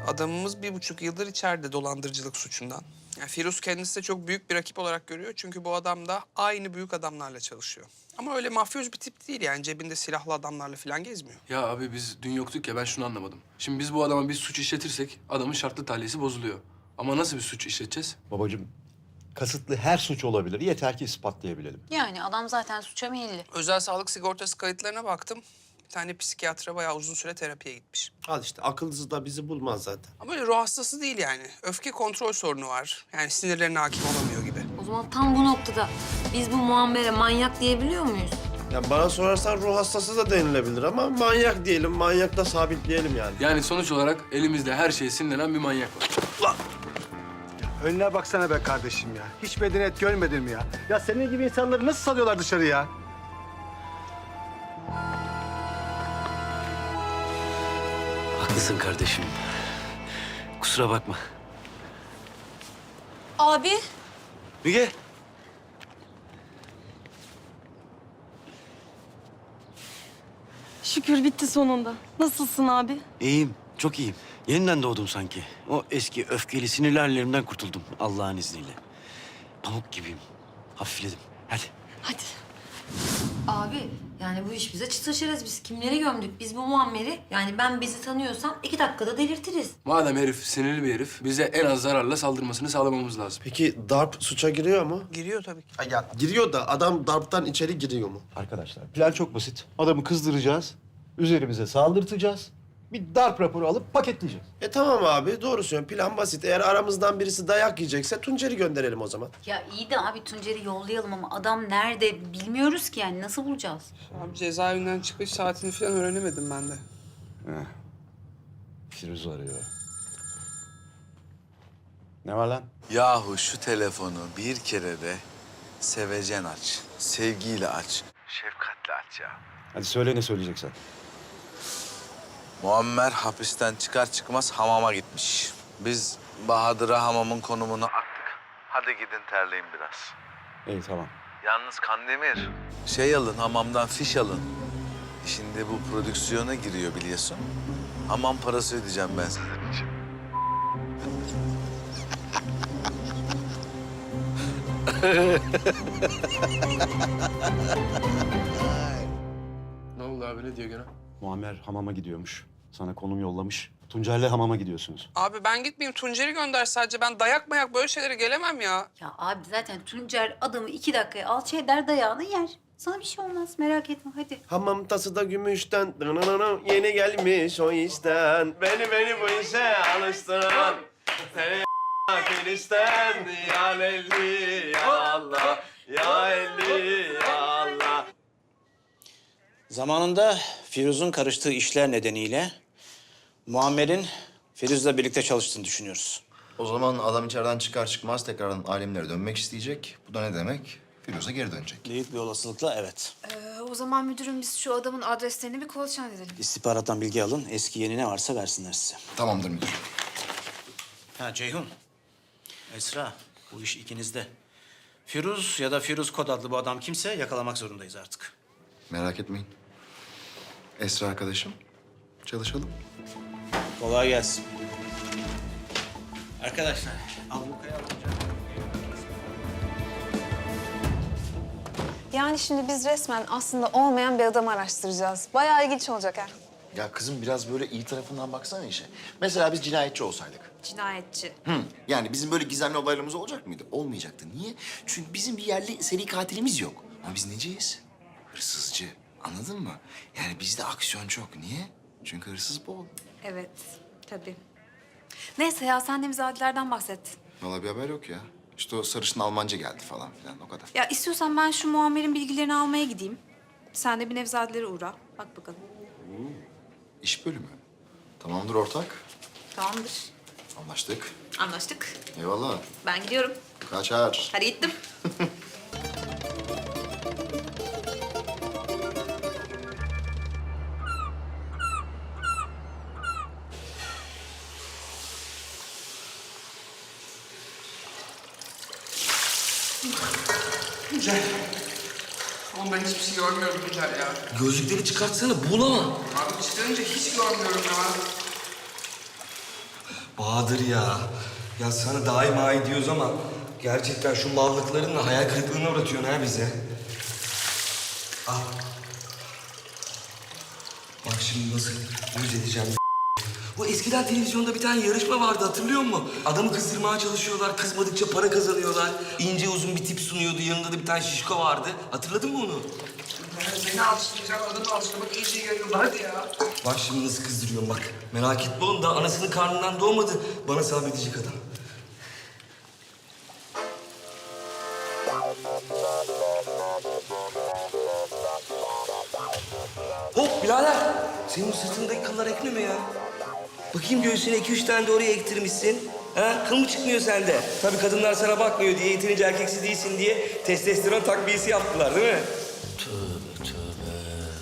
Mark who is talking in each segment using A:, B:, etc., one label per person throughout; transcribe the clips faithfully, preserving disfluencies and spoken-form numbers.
A: Adamımız bir buçuk yıldır içeride dolandırıcılık suçundan. Yani Firuz kendisi de çok büyük bir rakip olarak görüyor. Çünkü bu adam da aynı büyük adamlarla çalışıyor. Ama öyle mafyoz bir tip değil yani. Cebinde silahlı adamlarla falan gezmiyor.
B: Ya abi biz dün yoktuk ya, ben şunu anlamadım. Şimdi biz bu adama bir suç işletirsek adamın şartlı tahliyesi bozuluyor. Ama nasıl bir suç işleteceğiz?
C: Babacığım, kasıtlı her suç olabilir. Yeter ki ispatlayabilelim.
D: Yani adam zaten suça meyilli.
A: Özel sağlık sigortası kayıtlarına baktım. Bir tane psikiyatra bayağı uzun süre terapiye gitmiş.
E: Al işte akıllısı da bizi bulmaz zaten.
A: Ama böyle ruh hastası değil yani. Öfke kontrol sorunu var. Yani sinirlerine hakim olamıyor gibi.
D: O zaman tam bu noktada biz bu Muammer'e manyak diyebiliyor muyuz?
E: Ya bana sorarsan ruh hastası da denilebilir ama manyak diyelim, manyak da sabitleyelim yani.
B: Yani sonuç olarak elimizde her şeye sinirlenen bir manyak var.
F: Önüne baksana be kardeşim ya. Hiç medeniyet görmedin mi ya? Ya senin gibi insanları nasıl salıyorlar dışarı ya?
G: Haklısın kardeşim. Kusura bakma.
D: Abi.
G: Müge.
H: Şükür bitti sonunda. Nasılsın abi?
G: İyiyim, çok iyiyim. Yeniden doğdum sanki. O eski öfkeli sinirli hallerimden kurtuldum Allah'ın izniyle. Pamuk gibiyim. Hafifledim. Hadi.
H: Hadi.
D: Abi yani bu iş bize çıt taşırız. Biz kimleri gömdük? Biz bu Muammer'i yani ben bizi tanıyorsam iki dakikada delirtiriz.
B: Madem herif sinirli bir herif, bize en az zararla saldırmasını sağlamamız lazım.
E: Peki darp suça giriyor mu?
A: Giriyor tabii ki.
E: Ha, ya giriyor da adam darptan içeri giriyor mu?
C: Arkadaşlar, plan çok basit. Adamı kızdıracağız, üzerimize saldırtacağız. Bir darp raporu alıp paketleyeceğiz.
E: E tamam abi doğru söylüyorsun. Plan basit. Eğer aramızdan birisi dayak yiyecekse Tuncer'i gönderelim o zaman.
D: Ya iyi de abi Tuncer'i yollayalım ama adam nerede bilmiyoruz ki yani nasıl bulacağız?
A: Abi cezaevinden çıkış saatini falan öğrenemedim ben de.
C: Firuz arıyor. Ne var lan?
I: Yahu şu telefonu bir kere de sevecen aç, sevgiyle aç. Şefkatle aç ya.
C: Hadi söyle ne söyleyeceksen.
I: Muammer hapisten çıkar çıkmaz hamama gitmiş. Biz Bahadır'a hamamın konumunu attık. Hadi gidin terleyin biraz.
C: İyi, tamam.
I: Yalnız Kandemir. Şey alın, hamamdan fiş alın. Şimdi bu prodüksiyona giriyor biliyorsun. Hamam parası ödeyeceğim ben sizin için.
B: Ne oldu abi, ne diyor gene?
C: Muammer hamama gidiyormuş. Sana konum yollamış. Tuncer'le hamama gidiyorsunuz.
A: Abi ben gitmeyeyim. Tuncer'i gönder sadece. Ben dayak mayak böyle şeylere gelemem ya.
D: Ya abi zaten Tuncer adamı iki dakikaya alçı eder dayağını yer. Sana bir şey olmaz merak etme hadi.
E: Hamam tası da gümüşten. Dınınınının, yeni gelmiş o işten. Beni beni bu işe alıştıran. Seni Filistin ya Lelli ya Allah. Ya Lelli ya Allah.
J: Zamanında Firuz'un karıştığı işler nedeniyle Muammer'in Firuz'la birlikte çalıştığını düşünüyoruz.
K: O zaman adam içeriden çıkar çıkmaz tekrardan alemlere dönmek isteyecek. Bu da ne demek? Firuz'a geri dönecek.
J: Büyük bir olasılıkla evet.
H: Ee, o zaman müdürüm biz şu adamın adreslerini bir kolaçan edelim.
J: İstihbarattan bilgi alın, eski yeni ne varsa versinler size.
K: Tamamdır müdür.
J: Ha Ceyhun, Esra, bu iş ikinizde. Firuz ya da Firuz Kod adlı bu adam kimse yakalamak zorundayız artık.
K: Merak etmeyin. Esra arkadaşım, çalışalım.
J: Kolay gelsin. Arkadaşlar, ablukaya alınca...
H: Yani şimdi biz resmen aslında olmayan bir adamı araştıracağız. Bayağı ilginç olacak ha.
K: Ya kızım biraz böyle iyi tarafından baksana işe. Mesela biz cinayetçi olsaydık.
H: Cinayetçi.
K: Hı. Yani bizim böyle gizemli olaylarımız olacak mıydı? Olmayacaktı. Niye? Çünkü bizim bir yerli seri katilimiz yok. Ama biz neciyiz? Hırsızcı. Anladın mı? Yani bizde aksiyon çok. Niye? Çünkü hırsız bol.
H: Evet, tabii. Neyse ya sen Nevzadilerden bahset.
K: Vallahi bir haber yok ya. İşte o sarışın Almanca geldi falan filan o kadar.
H: Ya istiyorsan ben şu Muammer'in bilgilerini almaya gideyim. Sen de bir Nevzadilere uğra. Bak bakalım.
K: İş bölümü. Tamamdır ortak.
H: Tamamdır.
K: Anlaştık.
H: Anlaştık.
K: Eyvallah.
H: Ben gidiyorum.
K: Kaçar.
H: Hadi gittim.
A: Tuncer. Oğlum ben hiçbir şey görmüyorum Tuncer ya.
G: Gözlükleri çıkartsana, buğulama.
A: Abi çıkarınca hiç görmüyorum ya.
L: Bahadır ya. Ya sana daima ediyoruz ama gerçekten şu mallıklarınla hayal kırıklığına uğratıyorsun ha bize. Al. Bak şimdi nasıl yüz edeceğim. Bu eskiden televizyonda bir tane yarışma vardı, hatırlıyor musun? Adamı kızdırmaya çalışıyorlar, kızmadıkça para kazanıyorlar. İnce uzun bir tip sunuyordu, yanında da bir tane şişko vardı. Hatırladın mı onu?
A: Seni alıştıracak, adamı alıştırmak iyice yayıldı. Hadi ya.
L: Bak şimdi nasıl kızdırıyorum bak. Merak etme oğlum, daha anasının karnından doğmadı. Bana sabredecek adam. Hop birader! Senin sırtındaki kıllar ekme mi ya? Bakayım göğsüne iki üç tane de oraya ektirmişsin. Ha? Kıl mı çıkmıyor sende? Tabii kadınlar sana bakmıyor diye, yeterince erkeksi değilsin diye testosteron takviyesi yaptılar değil mi?
G: Tövbe tövbe.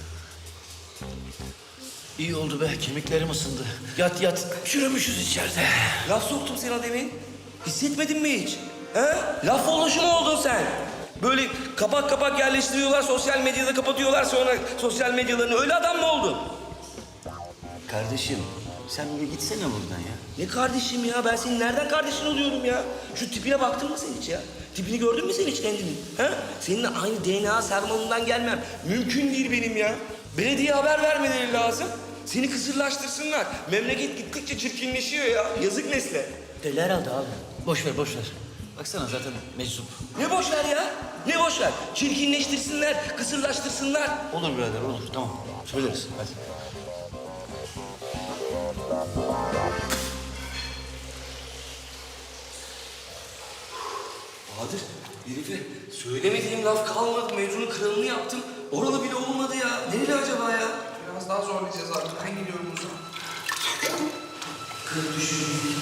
G: İyi oldu be, kemiklerim ısındı. Yat yat, çürümüşüz içeride.
L: Laf soktum sana demin. Hissetmedin mi hiç? Ha? Laf oluşu mu oldun sen? Böyle kapak kapak yerleştiriyorlar, sosyal medyada kapatıyorlar, sonra sosyal medyalarını. Öyle adam mı oldun?
G: Kardeşim, sen bir gitsene buradan ya.
L: Ne kardeşim ya? Ben senin nereden kardeşin oluyorum ya? Şu tipine baktın mı sen hiç ya? Tipini gördün mü sen hiç kendini? Ha? Seninle aynı D N A sarmalından gelmem. Mümkün değil benim ya. Belediye haber vermeleri lazım. Seni kısırlaştırsınlar. Memleket gittikçe çirkinleşiyor ya. Yazık nesle.
G: Deli herhalde abi. Boş ver, boş ver. Baksana zaten meczup.
L: Ne boş ver ya? Ne boş ver? Çirkinleştirsinler, kısırlaştırsınlar.
G: Olur birader, olur. Tamam. Söyleriz. Hadi.
L: Bahadır, herife söylemediğim laf kalmadı. Mevzunun kralını yaptım. Oralı bile olmadı ya. Nereli acaba ya?
A: Biraz daha zorlayacağız artık. Ben gidiyorum o zaman.
L: Kırk düşürüm.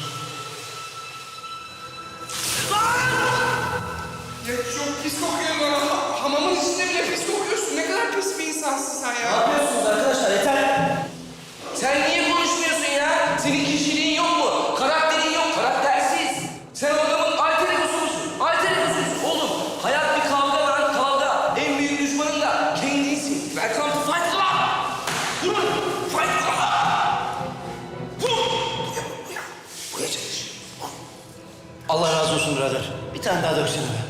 A: Ya çok pis kokuyor bana. Hamamın içinde bile pis kokuyorsun. Ne kadar pis bir insansın sen ya.
L: Ne yapıyorsunuz arkadaşlar? Yeter. Sen niye konuşmuyorsun ya? Senin kişiliğin yok mu? Karakterin yok. Karaktersiz. Sen o adamın alter egosu musun? Alter egosusun. Oğlum hayat bir kavga lan kavga. En büyük düşmanın da kendinsin. Welcome to Fight Club. Durun. Fight Club. Vur. Buraya, buraya çalış.
G: Allah razı olsun birader. Bir tane daha döksene be.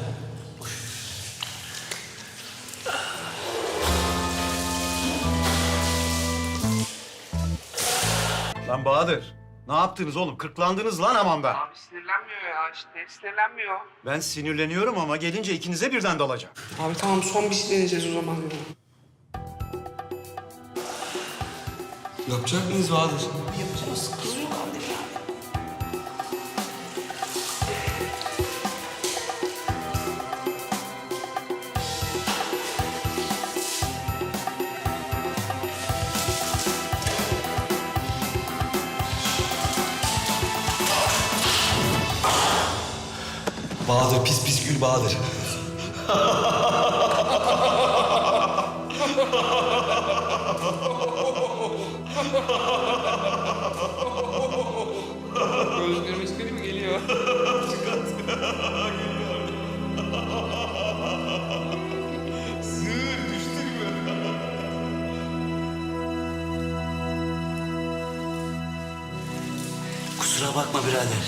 F: Lan Bahadır, ne yaptınız oğlum? Kırklandınız lan hamamda.
A: Abi sinirlenmiyor ya işte. Sinirlenmiyor.
F: Ben sinirleniyorum ama gelince ikinize birden dalacağım.
A: Abi tamam son bir şey deneyeceğiz o zaman.
L: Yapacak mıyız Bahadır?
A: Yapacağız. Kızıyor kardeşim.
L: Bahadır pis pis gül Bahadır.
A: Gözlerim iskeli mi geliyor?
L: Sığır düştün mü?
G: Kusura bakma birader.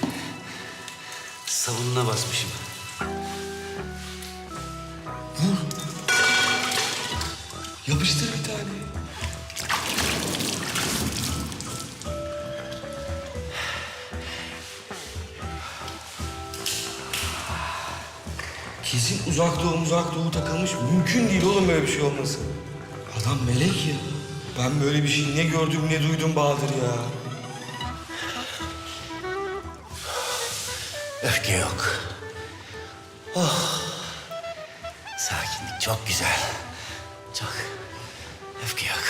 G: Sabununa basmışım.
L: Yapıştır bir tane. Kesin uzak doğu uzak doğu takılmış. Mümkün değil oğlum böyle bir şey olması. Adam melek ya. Ben böyle bir şey ne gördüm ne duydum Bahadır ya.
G: Öfke yok. Oh. Sakinlik çok güzel. Çok. Öfke yok.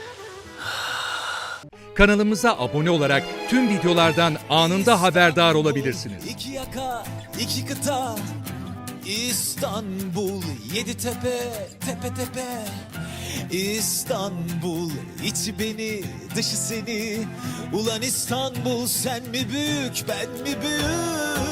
M: Kanalımıza abone olarak tüm videolardan anında haberdar olabilirsiniz.
N: İki yaka, iki kıta, İstanbul, yedi tepe, tepe tepe. İstanbul, içi beni, dışı seni. Ulan İstanbul, sen mi büyük, ben mi büyük?